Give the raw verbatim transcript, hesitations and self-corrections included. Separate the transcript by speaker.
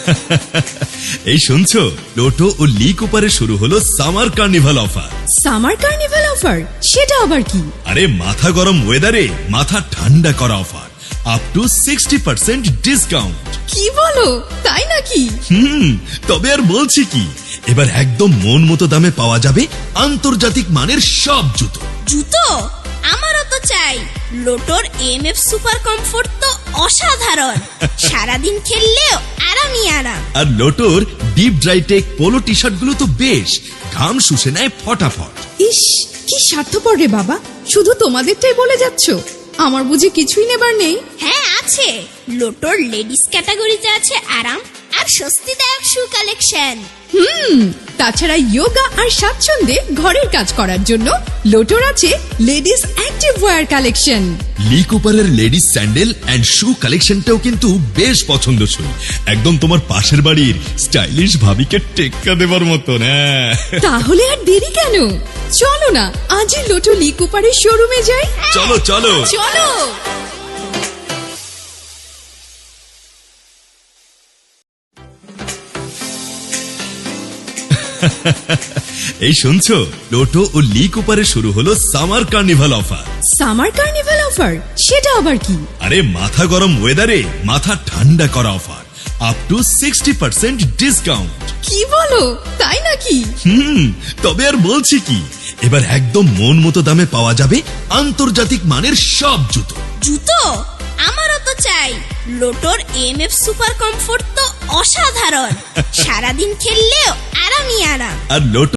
Speaker 1: এই শুনছো, লোটো ও লি কুপারে শুরু হলো summer carnival offer.
Speaker 2: Summer carnival offer, সেটা আবার কি?
Speaker 1: আরে মাথা গরম ওয়েদারে মাথা ঠান্ডা করা offer, up to sixty percent discount.
Speaker 2: কি বলো, তাই নাকি?
Speaker 1: হুম, তবে আর বলছি কি, এবার একদম মন মতো দামে পাওয়া যাবে আন্তর্জাতিক মানের সব জুতো।
Speaker 3: জুতো আমারও তো চাই। লোটোর এম এফ সুপার কমফোর্ট তো অসাধারণ, সারাদিন খেললেও আরামই আরাম।
Speaker 1: আর লোটোর deep dry tech polo T shirt গুলো তো বেশ ঘাম শুষে নেয় ফটাফট।
Speaker 2: ইস, কি স্বার্থপর রে বাবা, শুধু তোমাদেরটাই বলে যাচ্ছ, আমার বুঝি কিছুই নেবার নেই?
Speaker 3: হ্যাঁ আছে, লোটোর লেডিস ক্যাটাগরিতে আছে আরাম আর স্বস্তিদায়ক শু কালেকশন।
Speaker 2: হুম, তাছাড়া যোগা আর স্বাচ্ছন্দ্যে ঘরের কাজ করার জন্য লোটোর আছে ladies active wear collection.
Speaker 1: Lee কুপারের লেডিস স্যান্ডেল এন্ড শু কালেকশনটাও কিন্তু বেশ পছন্দসই, একদম তোমার পাশের বাড়ির স্টাইলিশ ভাবিকে টেক্কা দেবার মতন। হ্যাঁ,
Speaker 2: তাহলে আর দেরি কেন, চলো না আজই লোটো লি কুপারের শোরুমে যাই।
Speaker 1: চলো চলো
Speaker 2: চলো।
Speaker 1: এই শুনছো, লোটো ও লি কুপারে শুরু হলো summer carnival offer.
Speaker 2: Summer carnival offer, সেটা আবার কি?
Speaker 1: আরে মাথা গরম ওয়েদারে মাথা ঠান্ডা করা offer, up to sixty percent discount.
Speaker 2: কি বলো, তাই নাকি?
Speaker 1: হুম, তবে আর বলছি কি, এবার একদম মন মতো দামে পাওয়া যাবে আন্তর্জাতিক মানের সব জুতো।
Speaker 3: জুতো আমারও তো চাই। লোটোর এম এফ সুপার কমফোর্ট তো অসাধারণ, সারাদিন খেললেও আরামই আরাম।
Speaker 1: আর লোটো